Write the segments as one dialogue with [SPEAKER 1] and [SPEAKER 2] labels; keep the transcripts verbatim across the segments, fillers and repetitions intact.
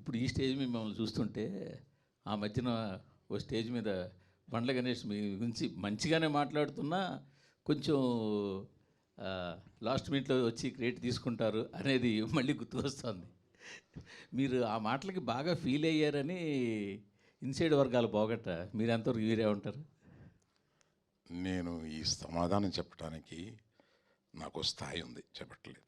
[SPEAKER 1] ఇప్పుడు ఈ స్టేజ్ మీద మిమ్మల్ని చూస్తుంటే ఆ మధ్యన ఓ స్టేజ్ మీద బండ్ల గణేష్ మీ గురించి మంచిగానే మాట్లాడుతున్నా కొంచెం లాస్ట్ మినిట్లో వచ్చి క్రియేట్ తీసుకుంటారు అనేది మళ్ళీ గుర్తుకొస్తుంది. మీరు ఆ మాటలకి బాగా ఫీల్ అయ్యారని ఇన్సైడ్ వర్గాలు పోగట్ట మీరు ఎంతవరకు వీరే ఉంటారు?
[SPEAKER 2] నేను ఈ సమాధానం చెప్పడానికి నాకు స్థాయి ఉంది, చెప్పట్లేదు.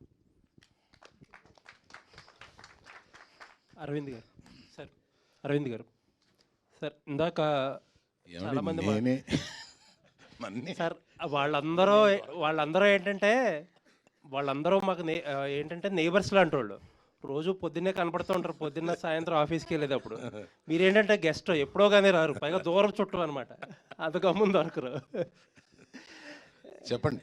[SPEAKER 3] అరవింద్ గారు సార్ అరవింద్ గారు సార్ ఇందాక చాలామంది
[SPEAKER 2] నేనే
[SPEAKER 3] సార్ వాళ్ళందరూ వాళ్ళందరూ ఏంటంటే వాళ్ళందరూ మాకు నే ఏంటంటే నేబర్స్ లాంటి వాళ్ళు రోజు పొద్దున్నే కనపడుతూ ఉంటారు, పొద్దున్న సాయంత్రం ఆఫీస్కి వెళ్ళేటప్పుడు. మీరేంటంటే గెస్ట్ ఎప్పుడో కానీ రారు, పైగా దూరం చుట్టూ అనమాట, అది గమ్మున దొరకరు.
[SPEAKER 2] చెప్పండి.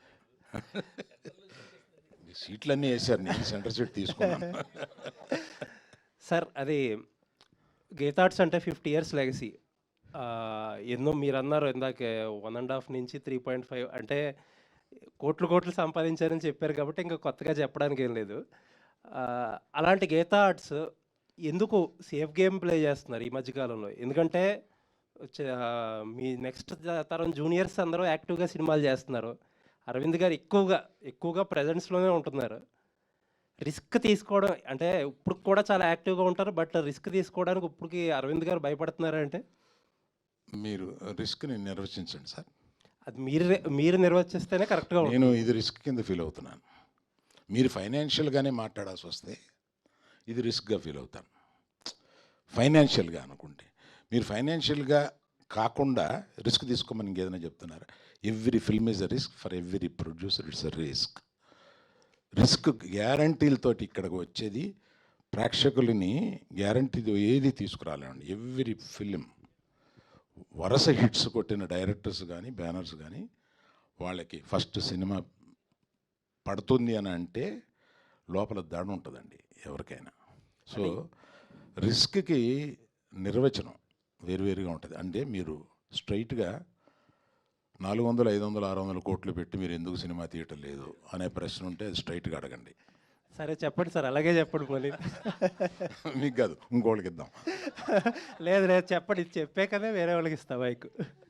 [SPEAKER 2] సీట్లన్నీ వేసారు, నేను సెంటర్ సీట్ తీసుకున్నాను.
[SPEAKER 3] సార్ అది గీతార్ట్స్ అంటే ఫిఫ్టీ ఇయర్స్ లెగసీ. ఎన్నో మీరు అన్నారు ఇందాక వన్ అండ్ హాఫ్ నుంచి త్రీ పాయింట్ ఫైవ్ అంటే కోట్లు కోట్లు సంపాదించారని చెప్పారు కాబట్టి ఇంకా కొత్తగా చెప్పడానికి ఏం లేదు. అలాంటి గీతా ఆర్ట్స్ ఎందుకు సేఫ్ గేమ్ ప్లే చేస్తున్నారు ఈ మధ్యకాలంలో? ఎందుకంటే మీ నెక్స్ట్ తరం జూనియర్స్ అందరూ యాక్టివ్గా సినిమాలు చేస్తున్నారు. అరవింద్ గారు ఎక్కువగా ఎక్కువగా ప్రజెన్స్లోనే ఉంటున్నారు. రిస్క్ తీసుకోవడం అంటే ఇప్పుడు కూడా చాలా యాక్టివ్గా ఉంటారు, బట్ రిస్క్ తీసుకోవడానికి ఇప్పటికి అరవింద్ గారు భయపడుతున్నారంటే
[SPEAKER 2] మీరు రిస్క్ని నిర్వచించండి సార్.
[SPEAKER 3] అది మీరు మీరు నిర్వచిస్తేనే కరెక్ట్గా.
[SPEAKER 2] నేను ఇది రిస్క్ కింద ఫీల్ అవుతున్నాను. మీరు ఫైనాన్షియల్గానే మాట్లాడాల్సి వస్తే ఇది రిస్క్గా ఫీల్ అవుతాను. ఫైనాన్షియల్గా అనుకుంటే మీరు ఫైనాన్షియల్గా కాకుండా రిస్క్ తీసుకోమని ఇంకేదైనా చెప్తున్నారు. Every film is a risk, for every producer it's a risk. Risk గ్యారంటీలతోటి ఇక్కడికి వచ్చేది ప్రేక్షకులని గ్యారంటీ ఏది తీసుకురాలేండి. ఎవ్రీ ఫిలిం వరుస హిట్స్ కొట్టిన డైరెక్టర్స్ కానీ బ్యానర్స్ కానీ వాళ్ళకి ఫస్ట్ సినిమా పడుతుంది అని అంటే లోపల దాడి ఉంటుందండి ఎవరికైనా. సో రిస్క్కి నిర్వచనం వేరువేరుగా ఉంటుంది. అంటే మీరు స్ట్రైట్గా నాలుగు వందలు ఐదు వందలు ఆరు వందల కోట్లు పెట్టి మీరు ఎందుకు సినిమా తీయటం లేదు అనే ప్రశ్న ఉంటే స్ట్రైట్గా అడగండి.
[SPEAKER 3] సరే చెప్పండి సార్, అలాగే చెప్పండి. మళ్ళీ
[SPEAKER 2] మీకు కాదు ఇంకోళ్ళకి ఇద్దాం.
[SPEAKER 3] లేదు లేదు చెప్పండి, చెప్పే కదా వేరే వాళ్ళకి ఇస్తా బైక్.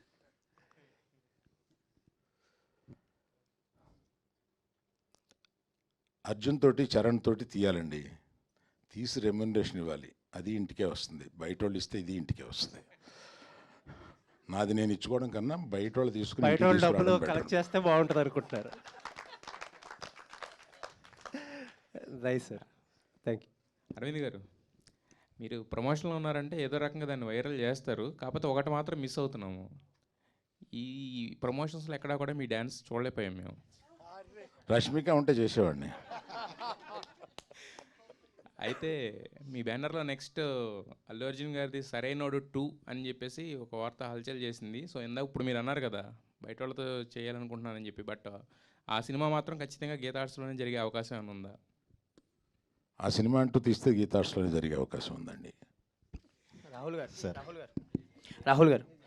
[SPEAKER 2] అర్జున్ తోటి చరణ్ తోటి తీయాలండి, తీసి రెమ్యునరేషన్ ఇవ్వాలి, అది ఇంటికే వస్తుంది. బయట వాళ్ళు ఇస్తే ఇది ఇంటికే వస్తుంది. నాది నేను ఇచ్చుకోవడం కన్నా బయట వాళ్ళు తీసుకుని
[SPEAKER 3] బయట వాళ్ళు డబ్బులు కలెక్ట్ చేస్తే బాగుంటుంది అనుకుంటున్నారు. Right sir, thank you.
[SPEAKER 4] Aravind garu, మీరు ప్రమోషన్లో ఉన్నారంటే ఏదో రకంగా దాన్ని వైరల్ చేస్తారు, కాకపోతే ఒకటి మాత్రం మిస్ అవుతున్నాము. ఈ ప్రమోషన్స్లో ఎక్కడా కూడా మీ డ్యాన్స్ చూడలేకపోయాం మేము.
[SPEAKER 2] రష్మిక ఉంటే చేసేవాడిని.
[SPEAKER 4] అయితే మీ బ్యానర్లో నెక్స్ట్ అల్లు అర్జున్ గారిది సరైనోడు టూ అని చెప్పేసి ఒక వార్త హల్చల్ చేసింది. సో ఇందాక ఇప్పుడు మీరు అన్నారు కదా బయట వాళ్ళతో చేయాలనుకుంటున్నానని చెప్పి, బట్ ఆ సినిమా మాత్రం ఖచ్చితంగా గీతా ఆర్ట్స్లోనే జరిగే అవకాశం ఏమైనా ఉందా?
[SPEAKER 2] ఆ సినిమా అంటూ తీస్తే గీతా ఆర్ట్స్లోనే జరిగే అవకాశం ఉందండి.
[SPEAKER 3] రాహుల్ గారు సార్ రాహుల్ గారు రాహుల్ గారు